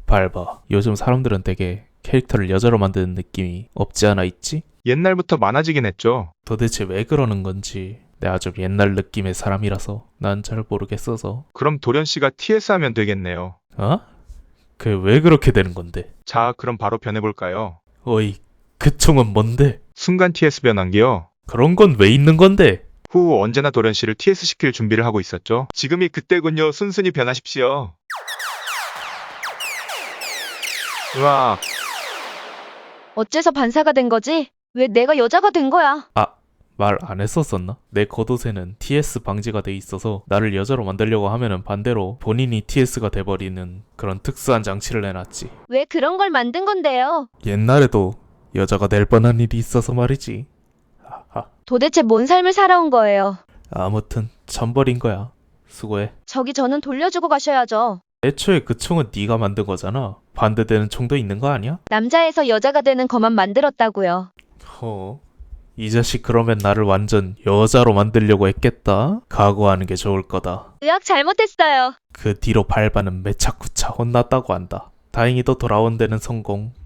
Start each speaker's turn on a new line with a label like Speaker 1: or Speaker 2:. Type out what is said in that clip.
Speaker 1: 밟아. 요즘 사람들은 되게 캐릭터를 여자로 만드는 느낌이 없지 않아 있지?
Speaker 2: 옛날부터 많아지긴 했죠.
Speaker 1: 도대체 왜 그러는 건지. 내가 좀 옛날 느낌의 사람이라서 난 잘 모르겠어서.
Speaker 2: 그럼 도련 씨가 TS 하면 되겠네요.
Speaker 1: 어? 그 왜 그렇게 되는 건데?
Speaker 2: 자, 그럼 바로 변해볼까요?
Speaker 1: 어이, 그 총은 뭔데?
Speaker 2: 순간 TS 변환기요.
Speaker 1: 그런 건 왜 있는 건데?
Speaker 2: 후 언제나 도련 씨를 TS 시킬 준비를 하고 있었죠. 지금이 그때군요. 순순히 변하십시오. 으악,
Speaker 3: 어째서 반사가 된 거지? 왜 내가 여자가 된 거야?
Speaker 1: 아, 말 안 했었었나? 내 겉옷에는 TS 방지가 돼 있어서 나를 여자로 만들려고 하면은 반대로 본인이 TS가 돼버리는 그런 특수한 장치를 해놨지.
Speaker 3: 왜 그런 걸 만든 건데요?
Speaker 1: 옛날에도 여자가 될 뻔한 일이 있어서 말이지. 하하.
Speaker 3: 도대체 뭔 삶을 살아온 거예요?
Speaker 1: 아무튼 천벌인 거야. 수고해.
Speaker 3: 저는 돌려주고 가셔야죠.
Speaker 1: 애초에 그 총은 네가 만든 거잖아. 반대되는 총도 있는 거 아니야?
Speaker 3: 남자에서 여자가 되는 것만 만들었다고요.
Speaker 1: 이 자식 그러면 나를 완전 여자로 만들려고 했겠다? 각오하는 게 좋을 거다.
Speaker 3: 의학 잘못했어요.
Speaker 1: 그 뒤로 밟아는 매차쿠차 혼났다고 한다. 다행히도 돌아온 데는 성공.